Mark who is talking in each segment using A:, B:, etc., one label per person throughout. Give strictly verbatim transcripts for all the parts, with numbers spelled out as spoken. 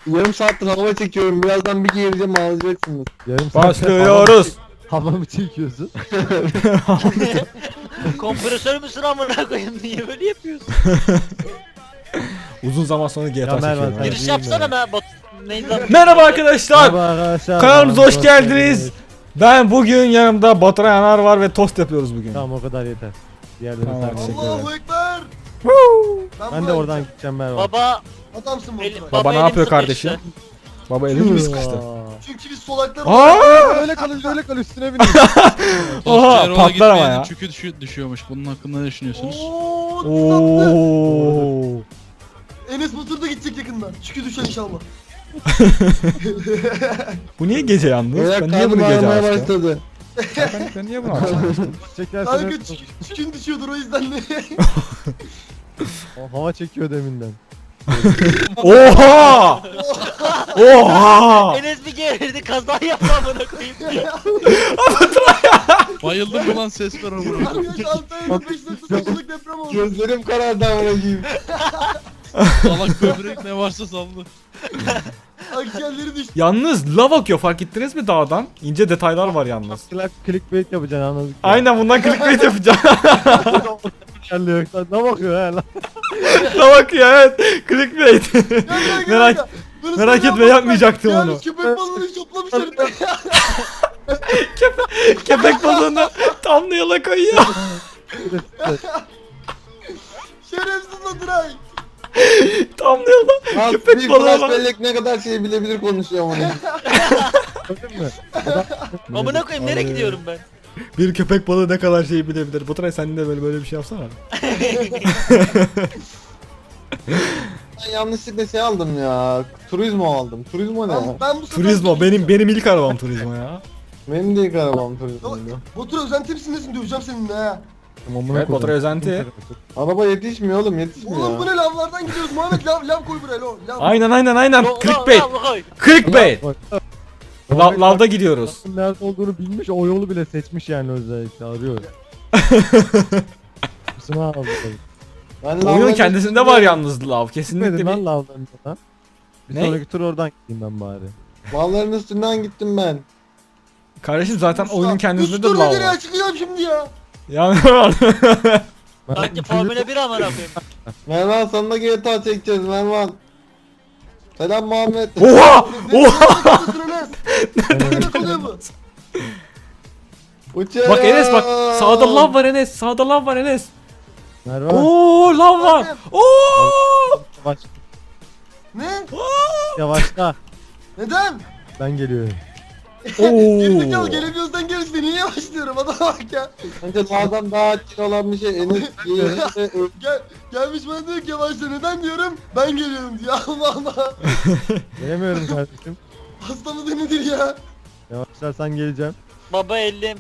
A: Yarım saattir hava çekiyorum. Birazdan bir gireceğim ağlayacaksınız.
B: Yarım saat
C: Başlıyoruz.
B: hava mı çekiyorsun?
D: Kompresör müsün amına koyayım, niye böyle yapıyorsun?
C: Uzun zaman sonra G T A
B: Ya Mervan,
C: çekiyorum.
B: sen-
C: abi.
D: Giriş yapsana be bot. Neydi lan?
C: Merhaba arkadaşlar.
B: Merhaba arkadaşlar.
C: Kanalımıza hoş
B: Hoş
C: geldiniz. Ben bugün yanımda Baturay Yanar var ve tost yapıyoruz bugün.
B: Tamam, o kadar yeter. Diğerleri
C: Tamam,
B: sen-
C: teşekkür ederim.
E: Allahu Ekber.
C: Woo!
B: Ben de oradan gideceğim Mervan.
D: Baba,
E: Adamsın bu.
D: el,
E: Baba.
C: Baba ne
D: elim
C: yapıyor
D: sıkıştı.
C: kardeşim? Baba elini mi sıkıştı?
E: Çünkü biz solaklar
C: Aa!
B: Öyle kalın, öyle kalın, üstüne binin.
C: Oha,
F: Erol'a
C: patlar ama
F: gitmeyenin
C: ya.
F: Çükü düşü- düşüyormuş. Bunun hakkında ne düşünüyorsunuz?
E: Ooo.
C: Oo.
E: Enes Batur da gidecek yakından. Çünkü düşer inşallah.
C: Bu niye gece yalnız?
A: Beyler
C: Ben niye bunu
A: karnım
C: gece
A: ağrımaya
C: açtım?
A: başladı.
C: Ben, ben niye bunu açtım?
B: Çekerseniz
E: Kanka çükü- çükün düşüyordur o yüzden de.
B: o hava çekiyor deminden.
C: Oha! Oha!
D: Enes bir gerildi, kaza yaptı amına koyayım.
F: Bayıldım ulan ses ver amına.
E: Kanka Antalya'da beş nokta dokuzluk deprem oldu.
A: Gözlerim karardı amına koyayım.
F: Salak böbrek ne varsa saldı.
E: Akciğerleri düştü.
C: Yalnız lav akıyor, fark ettiniz mi dağdan? İnce detaylar var yalnız.
B: Click, clickbait yapacaksın, anladık. ya.
C: Aynen, bundan clickbait yapacağım.
B: Geldi yoksa ne bakıyor he lan?
C: Lav akıyor, evet. Clickbait.
E: Gel, gel, gel,
C: Merak-
E: gel. Bunu
C: merak
E: sana
C: etme,
E: yapmadım
C: yapmayacaktım
E: ben.
C: onu.
E: Yani köpek balığını şoplamışlar.
C: Köpek balığını tam yola koyuyor.
E: Şerefsiz lan Duray.
C: Tam yola.
A: Lan
C: Köpek
A: bir
C: balığı
A: flash
C: var.
A: bellek ne kadar şey bilebilir konuşuyor onu.
B: Gördün mü?
D: Amına koyayım, nereye gidiyorum ben?
C: Bir köpek balığı ne kadar şey bilebilir. Baturay sen de böyle böyle bir şey yapsana.
A: Ben yanlışlıkla şey aldım ya. Turizmo aldım. Turizmo ne ya?
E: Ben, ben bu sefer
C: Turizmo, benim benim ilk arabam Turizmo ya.
A: Benim de ilk arabam Turizmo'ydu.
E: Batur özenti misin nesin, döveceğim seninle ha.
C: Evet, Baturay özenti.
A: Araba yetişmiyor oğlum, yetişmiyor.
E: Oğlum bu ne, lavlardan gidiyoruz Muhammed, lav, lav koy buraya lav. lav.
C: Aynen aynen aynen.
D: Lo- lo-
C: Clickbait.
D: lo- koy.
C: Clickbait.
B: Bak,
C: La- lavda gidiyoruz.
B: nerede olduğunu bilmiş, o yolu bile seçmiş yani, özellikle arıyor. Kusura aldı.
A: Ben
C: Oyunun
A: lavların
C: kendisinde
A: üstünde-
C: var yalnız lav. Kesinlikle
B: Gitmedin lan
C: bir...
B: lavdan lan. Bir
C: Ne?
B: sonraki tur oradan gideyim ben bari.
A: Lavların üstünden gittim ben.
C: Kardeşim zaten oyunun kendisinde de
E: Üç tur
C: lav
E: nereye
C: var.
E: çıkacağım şimdi ya.
C: Yani
D: Sanki Formula bir amına koyayım.
A: Mervan sana G T A çekeceğiz Mervan. Selam Muhammed.
C: Oha!
E: Ne
C: Oha!
E: Ne demek oluyor bu?
A: Uçuyor.
C: Bak Enes bak, sağda lav var Enes. Sağda lav var Enes.
B: Mervan.
C: Oo, lav var. Oo!
B: Yavaş,
E: Ne?
B: yavaşla.
E: Neden?
B: Ben geliyorum.
E: Gerizekalı
C: Oo.
E: gelemiyorsan gerisi, niye yavaşlıyorum adama bak ya.
A: Bence lavdan daha açık olan bir şey Enes. Enes-
E: Gel, gelmiş bana diyor ki yavaşla, neden diyorum, ben geliyorum diyor. Allah Allah.
B: Gelemiyorum kardeşim.
E: Hasta mıdır nedir ya?
B: Yavaşlarsan geleceğim.
D: Baba elim,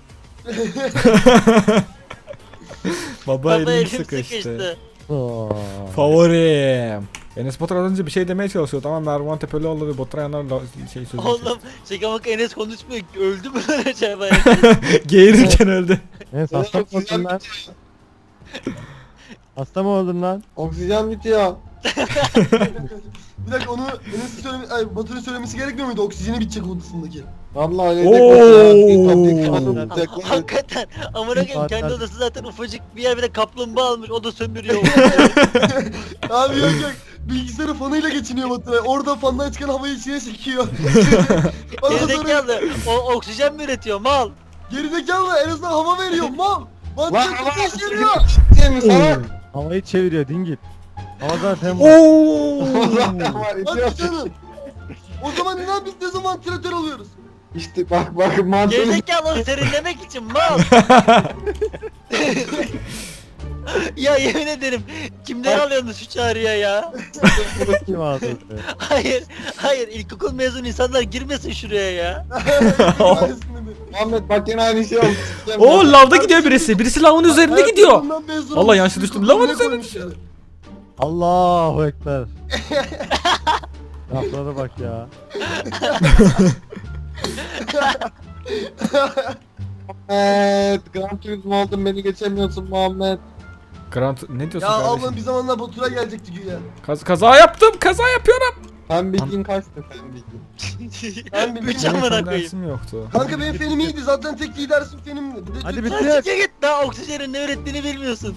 C: Baba
D: baba
C: elim
D: elim
C: sıkıştı.
D: sıkıştı.
B: Oo.
C: Favorim. Enes Batur az önce bir şey demeye çalışıyordu ama Mervan Tepelioğlu ve Baturay Yanar da şey sözü.
D: Oğlum şaka bak, Enes konuşmuyor. Öldü mü lan acaba?
C: Geğirirken öldü.
B: Enes hasta mı oldun lan? Hasta mı oldun lan?
A: Oksijen bitiyor.
E: Bir dakika, onu Enes'in söyleme, ay Batur'un söylemesi gerekmiyor muydu? Oksijeni bitecek odasındaki.
A: Vallahi öyle
C: Oo.
A: de
D: Hakikaten amına koyayım, kendi odası zaten ufacık bir yer, bir de kaplumbağa almış, o da sömürüyor.
E: Abi yok yok. Bilgisayarı fanıyla geçiniyor Batur. Orada fandan çıkan havayı içine çekiyor. Ondan sonra
D: Gerizekalı, o oksijen mi üretiyor mal?
E: gerizekalı en azından hava veriyor mal.
A: Lan
E: Batur
A: hava
E: ateş veriyor.
A: Şey mi sana?
B: Havayı çeviriyor dingil. Hava zaten var.
C: Oo.
A: Zaten var, itiyor.
E: Hadi canım. O zaman neden biz ne zaman vantilatör alıyoruz?
A: İşte bak bak mantığını
D: Gerizekalı serinlemek için mal. Ya yemin ederim, kimden alıyorsunuz şu çağrıya ya?
B: Kim aldı?
D: Hayır, hayır, ilkokul mezun insanlar girmesin şuraya ya.
A: Muhammed bak yine aynı şey oldu.
C: Oo, lavda gidiyor birisi. Birisi lavın üzerinde gidiyor. Vallahi yanlış düştüm. Lavın üzerine
E: üzerine
C: düşüyor.
B: Allahu Ekber. Laflara bak ya.
A: Evet, Gran Turismo oldum, beni geçemiyorsun Muhammed.
C: Grant ne diyorsun
E: Ya
C: kardeşim?
E: ablam bir zamanlar Batur'a gelecekti güya.
C: Kaz kaza yaptım. Kaza yapıyorum.
A: Fen bilgin kaçtı fen bilgin?
E: Ben bilmiyorum.
D: Üç amına
C: Benim
D: koyayım.
C: dersim yoktu.
E: Kanka benim fenim iyiydi zaten tek iyi dersim fenimdi. Bir de
B: Hadi
E: Türk-
B: bitir.
D: Lan siktir git daha oksijenin ne ürettiğini bilmiyorsun.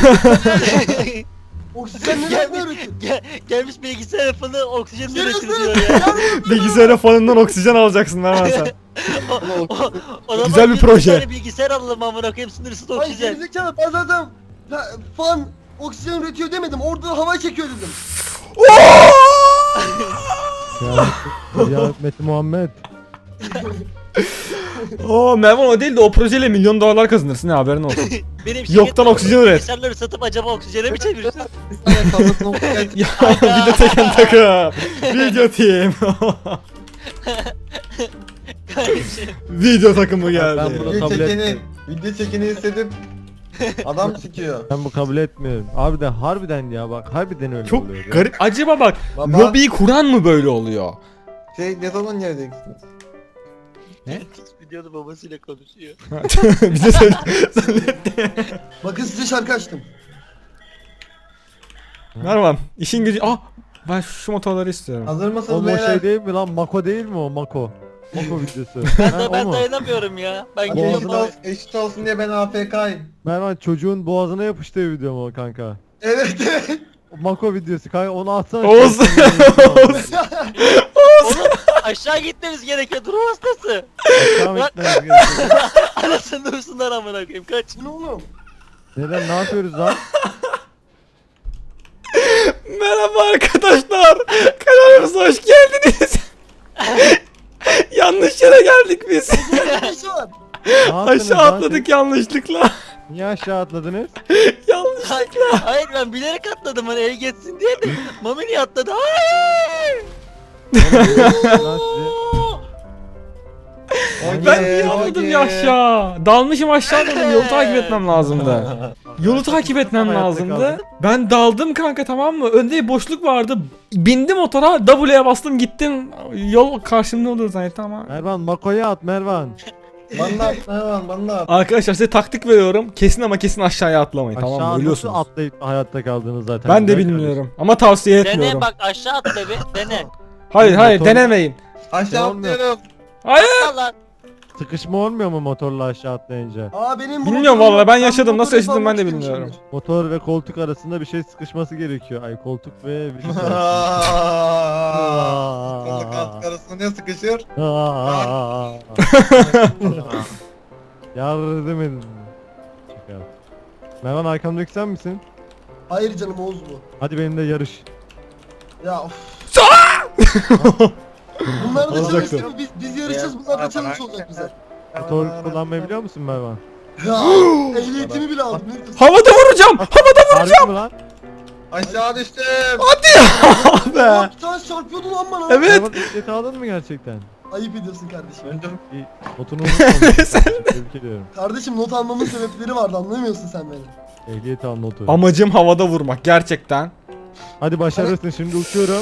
E: Oksijen ne
D: Gel-
E: ne öğretiyor?
D: Gel, gelmiş bilgisayar yapını oksijen
E: Sen
D: üretir
E: nasıl-
D: diyor ya.
C: Bilgisayara fanından oksijen alacaksın Mervan sen.
D: O, o, o zaman
C: Güzel bir
D: bir
C: proje.
D: tane bilgisayar alalım amına koyayım sınırsız
E: Ay
D: oksijen.
E: gerizekalı ben zaten fa- fan oksijen üretiyor demedim. Orada hava çekiyor dedim.
B: Ya, ya Mete Muhammed.
C: Oo Mervan o değil de o projeyle milyon dolarlar kazanırsın ha haberin olsun.
D: Benim
C: Yoktan
D: şirketim
C: oksijen üret.
D: Bilgisayarları satıp acaba oksijene mi çevirsin?
A: Bir saniye kafasına oksijen
C: Ya video teken takım. Video team.
D: Kardeşim.
C: Video takımı
B: Ben
C: geldi.
B: bunu-
A: Video
B: kabul
A: çekeni,
B: etmiyorum.
A: video çekeni hissedip adam sikiyor.
B: Ben bu kabul etmiyorum. Abi de harbiden ya bak harbiden öyle
C: Çok
B: oluyor. ya.
C: garip. Acaba bak
A: Baba,
C: lobiyi kuran mı böyle oluyor?
A: şey ne zaman geleceksiniz?
D: Videoda babasıyla konuşuyor.
C: Bize söyle.
E: Bakın size şarkı açtım.
C: Mervan işin gücü. Ah ben şu motorları istiyorum.
A: Hazır
B: O
A: mısınız
B: mu
A: beyler?
B: şey değil mi lan? Mako değil mi o? Mako. Mako videosu.
D: Ben,
B: Ha,
D: de,
B: o
D: ben
B: mu?
D: dayanamıyorum ya. Ben
A: Hadi
D: gidiyorum.
A: eşit,
B: Boğazına-
A: ol, eşit olsun diye ben A F K'yim.
B: Mervan çocuğun boğazına yapıştığı video mu o kanka?
E: Evet evet.
B: O Mako videosu kanka onu atsana.
C: Oğuz. Oğuz.
D: Oğlum aşağı gitmemiz gerekiyor. Durum hastası.
B: Devam etmemiz gerekiyor.
D: Anasını dursunlar amına koyayım. Kaç.
E: Bu ne oğlum?
B: Neden ne yapıyoruz lan?
C: Merhaba arkadaşlar. Kanalımıza hoş geldiniz. Yanlış yere geldik biz.
E: Ne işi var?
B: Ne yaptınız
C: Aşağı
B: lan
C: atladık yanlışlıkla.
B: siz? Niye aşağı atladınız?
C: Yanlış.
D: Hayır, hayır ben bilerek atladım hani el geçsin diye de Mami niye atladı? Hayır.
B: Lan sizi-
C: Ben niye atladım ya aşağı? Dalmışım aşağı dedim. Yolu takip etmem lazımdı. Yolu takip etmem
B: Hayatta
C: lazımdı.
B: kaldım.
C: Ben daldım kanka tamam mı? Önde bir boşluk vardı. Bindim motora W'ye bastım gittim. Yol karşımda olur zannettim ama.
B: Mervan Mako'ya at Mervan.
A: Bana da at, Mervan, bana da at.
C: Arkadaşlar size taktik veriyorum. Kesin ama kesin aşağıya atlamayın
B: Aşağı
C: tamam mı?
B: nasıl
C: Ölüyorsunuz.
B: atlayıp hayatta kaldınız zaten.
C: Ben de
B: Güzel
C: bilmiyorum ama tavsiye etmiyorum.
D: Dene bak aşağı atla bir dene.
C: Hayır hayır
B: Motor-
C: denemeyin.
A: Aşağı
B: Olmuyor.
A: atlıyorum.
C: Hayır.
D: Atla lan.
B: kardeşim. Sıkışma olmuyor mu motorla aşağı atlayınca?
E: Aa benim bu
C: Bilmiyorum
E: motoru-
C: vallahi, ben
E: bu
C: yaşadım. Nasıl
E: motoru
C: yaşadım ben de
E: yapmak
C: bilmiyorum.
E: istemişimdir.
B: Motor ve koltuk arasında bir şey sıkışması gerekiyor. Ay koltuk ve vücut arasında.
A: Kolu kalk arasında ne sıkışır?
B: Aa. Yardım edin. Çıkar. Mervan arkamdaki sen misin?
E: Hayır canım Oğuz bu.
B: Hadi benimle yarış.
E: Ya of. Bunlar da
C: Olacaktı.
E: çalıştı mı? Biz, biz yarışacağız bunlar da çalış olacak bize.
B: Motor kullanmayı biliyor musun Mervan?
E: Ya ehliyetimi bile aldım. Ne diyorsun?
C: Havada vuracağım. Havada
B: Harbi mi lan?
A: Aşağı düştüm.
C: be.
E: Aa, bir tane çarpıyordu lan bana.
C: Evet.
B: Mervan ehliyeti aldın mı gerçekten?
E: Ayıp ediyorsun kardeşim.
A: Öldüm.
B: İyi. Notunu unutmamışsın. Tebrik ediyorum.
E: Kardeşim not almamın sebepleri vardı anlamıyorsun sen beni.
B: Ehliyet al notu.
C: Amacım havada vurmak gerçekten.
B: Hadi başarırsın şimdi uçuyorum.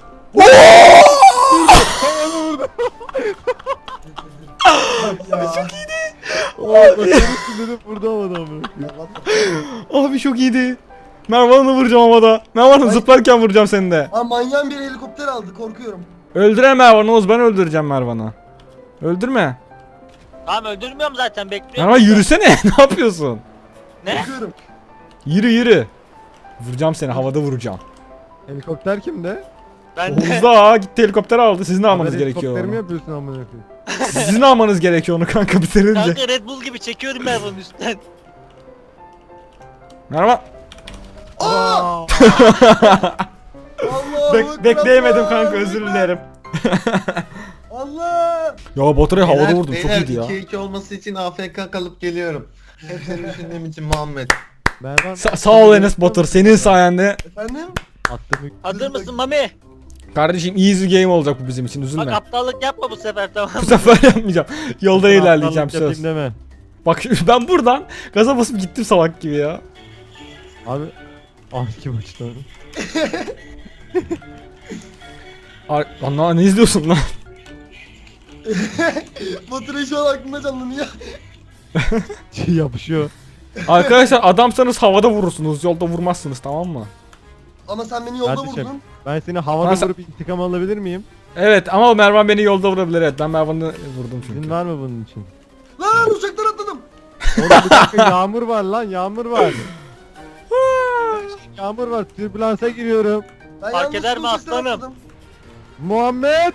E: Ya.
B: Oo başarırsın dedim burada havada mı?
C: Abi çok iyiydi. Mervan'ı vuracağım havada. Mervan'ı
E: Ay.
C: zıplarken vuracağım seni de.
E: Aa manyağın bir helikopter aldı korkuyorum.
C: Öldüre Mervan'ı Oğuz, ben öldüreceğim Mervan'ı. Öldürme.
D: Tamam öldürmüyorum zaten bekliyorum.
C: Mervan yürüsene. Ne yapıyorsun?
D: Ne?
E: Korkuyorum.
C: Yürü yürü. Vuracağım seni, havada vuracağım.
B: Helikopter kimde?
D: Ben de.
C: Oğuz da gitti helikopter aldı. Sizin almanız
B: Haber
C: gerekiyor
B: helikopter mi
C: onu.
B: yapıyorsun amına koyayım?
C: Sizin almanız gerekiyor onu kanka bitirince.
D: Kanka Red Bull gibi çekiyorum ben bunun üstten.
C: Mervan.
E: Aa! Allah
C: Bek bekleyemedim kanka, özür dilerim.
E: Allah!
C: Ya Baturay'ı havada
A: Beyler,
C: vurdum, çok
A: beyler,
C: iyiydi ya.
A: iki iki olması için A F K kalıp geliyorum. Hep seni düşündüğüm için Muhammed.
B: Mervan.
C: Sa sağ ol Enes Batur, senin sayende.
E: Efendim?
B: Attım yük.
D: Hazır mısın Mami?
C: Kardeşim easy game olacak bu bizim için,
D: Bak
C: üzülme.
D: aptallık yapma bu sefer tamam
C: Bu
D: mı?
C: sefer yapmayacağım. Yolda ilerleyeceğim
B: Aptallık
C: söz.
B: yapayım deme.
C: Bak ben buradan gaza basıp gittim salak gibi ya.
B: Abi. Ah kim açtı onu?
C: Ar Lan ne izliyorsun lan?
E: Batıray şu an aklımda canlanıyor.
B: Şey yapışıyor.
C: Arkadaşlar adamsanız havada vurursunuz, yolda vurmazsınız tamam mı?
E: Ama sen beni yolda
B: Kardeşim.
E: vurdun.
B: Ben seni havada
C: Lan sen-
B: vurup intikam alabilir miyim?
C: Evet ama Mervan beni yolda vurabilir. Evet ben Mervan'ı vurdum çünkü.
B: İzin var mı bunun için?
E: Lan uçaktan atladım.
B: Oğlum bir dakika yağmur var lan yağmur var. Yağmur var türbülansa giriyorum.
E: Ben
D: Fark
E: yanlışlıkla
D: eder mi
E: uçaktan
D: aslanım?
E: atladım.
B: Muhammed!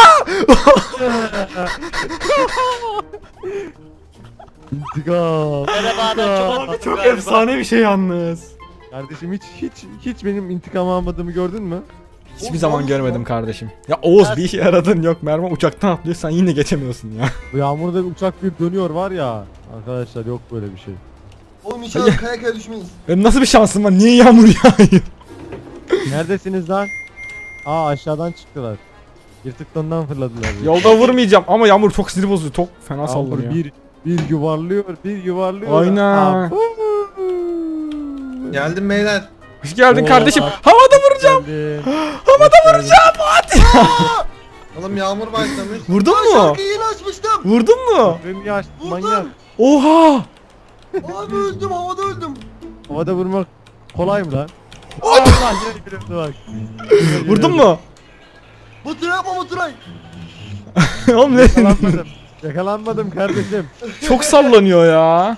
B: İntikam.
D: Merhaba ben çok atladım
C: Çok
D: galiba.
C: efsane bir şey yalnız.
B: Kardeşim hiç hiç hiç benim intikam almadığımı gördün mü?
C: Hiçbir
E: Oğuz,
C: zaman
E: Oğuz
C: görmedim
E: ya.
C: kardeşim. Ya Oğuz bir işe yaradın yok. Mervan uçaktan atlıyor sen yine geçemiyorsun ya.
B: Bu yağmurda bir uçak bir dönüyor var ya. Arkadaşlar yok böyle bir şey.
E: Oğlum inşallah kaya kaya düşmeyiz.
C: Benim nasıl bir şansım var? Niye yağmur yağıyor?
B: Neredesiniz lan? Aa aşağıdan çıktılar. Yırtıklarından fırladılar.
C: Yolda vurmayacağım ama yağmur çok sinir bozuyor. Çok fena
B: Yağmur
C: sallanıyor.
B: bir bir yuvarlıyor, bir yuvarlıyor.
C: Aynen.
B: Abu.
A: Geldim beyler.
C: Hoş geldin
B: Oo,
C: kardeşim.
B: bak.
C: Havada vuracağım.
B: Geldin.
C: Havada vuracağım. Hadi.
A: Oğlum yağmur başlamış.
C: Vurdun
E: Ben
C: mu?
E: şarkıyı yeni açmıştım.
C: Vurdun mu?
B: Benim yaş
E: Vurdum.
B: manyak.
C: Oha.
E: Abi öldüm havada öldüm.
B: Havada vurmak kolay mı lan? Allah yine gülüyordu bak. Yine
C: Vurdun
B: gülüyordu.
C: mu?
E: Batıray yapma Batıray.
C: Oğlum ne?
B: Yakalanmadım. Yakalanmadım kardeşim.
C: Çok sallanıyor ya.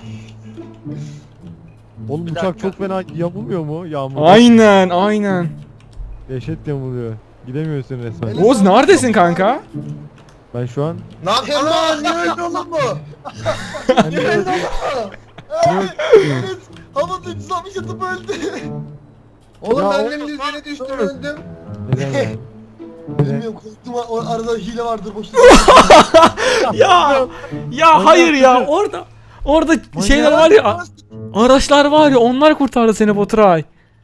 B: Oğlum
D: Bir
B: uçak
D: dakika.
B: çok fena yamulmuyor mu yağmurda?
C: Aynen aynen.
B: Dehşet yamuluyor. Gidemiyorsun resmen.
E: Öyle-
C: Oğuz neredesin kanka?
B: Ben şu an...
A: Ne yapıyorsun lan? Niye öldü oğlum bu?
B: Ben
E: Niye
B: de-
E: öldü ama?
B: Yok.
E: Evet. Havada üç yüz altmış atıp öldü.
A: Oğlum
B: Ya
A: ben
B: oğlum,
A: de yüzüne düştüm
B: dur.
A: öldüm.
B: Neden yani? Neden?
E: Bilmiyorum korktum o arada hile vardır boşuna.
C: Ya ya hayır ya orada orada şeyler var ya araçlar var ya onlar kurtardı seni Baturay.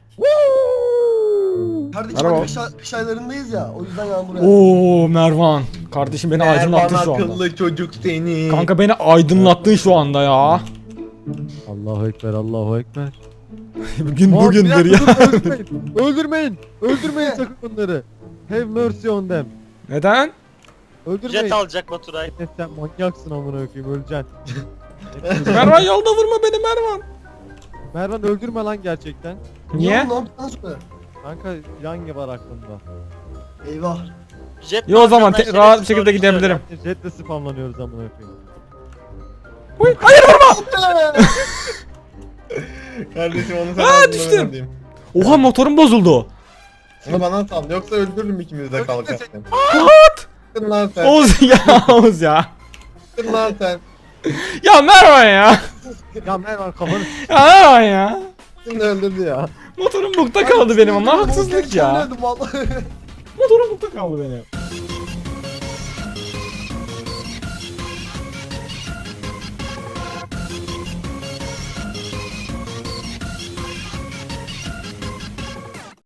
E: Kardeşim
C: Merhaba.
E: hadi kış, ay- kış aylarındayız ya o yüzden yağmur yağıyor.
C: Oo Mervan. Kardeşim beni aydınlattın şu anda.
A: akıllı çocuk seni.
C: Kanka beni aydınlattın şu anda ya.
B: Allahu Ekber, Allahu Ekber.
C: Bugün
B: Muhammed,
C: bugündür
B: bir
C: ya.
B: dakika, dur, öldürmeyin. Öldürmeyin. Öldürmeyin sakın onları. Have mercy on them.
C: Neden?
B: Öldürmeyin.
D: Jet alacak Baturay.
B: Enes, sen manyaksın amına koyayım öleceksin.
C: Mervan yolda vurma beni Mervan.
B: Mervan öldürme lan gerçekten.
C: Niye?
E: Oğlum, ne yaptın söyle.
B: Kanka plan var aklımda.
E: Eyvah.
D: Jet
C: Yo o zaman
D: markandan
C: te- rahat bir
D: şerefsiz
C: şekilde
D: sorunu
C: gidebilirim.
B: Jetle spamlanıyoruz amına koyayım.
C: Uy, hayır vurma.
A: Kardeşim onu sen
C: Aa,
A: aldın, ben
C: düştüm.
A: alayım.
C: Oha motorum bozuldu.
A: Onu bana sal yoksa öldürürüm ikimiz de kalkarken.
C: What?
A: Çıktın lan sen.
C: Oğuz ya Oğuz ya.
A: Çıktın lan sen.
C: Ya Mervan ya.
B: Ya Mervan kafanı
C: Ya Mervan ya.
A: Şimdi öldürdü ya.
C: Motorum bukta kaldı benim ama haksızlık
E: Ben
C: ya.
E: öldüm vallahi.
C: Motorum bukta kaldı benim.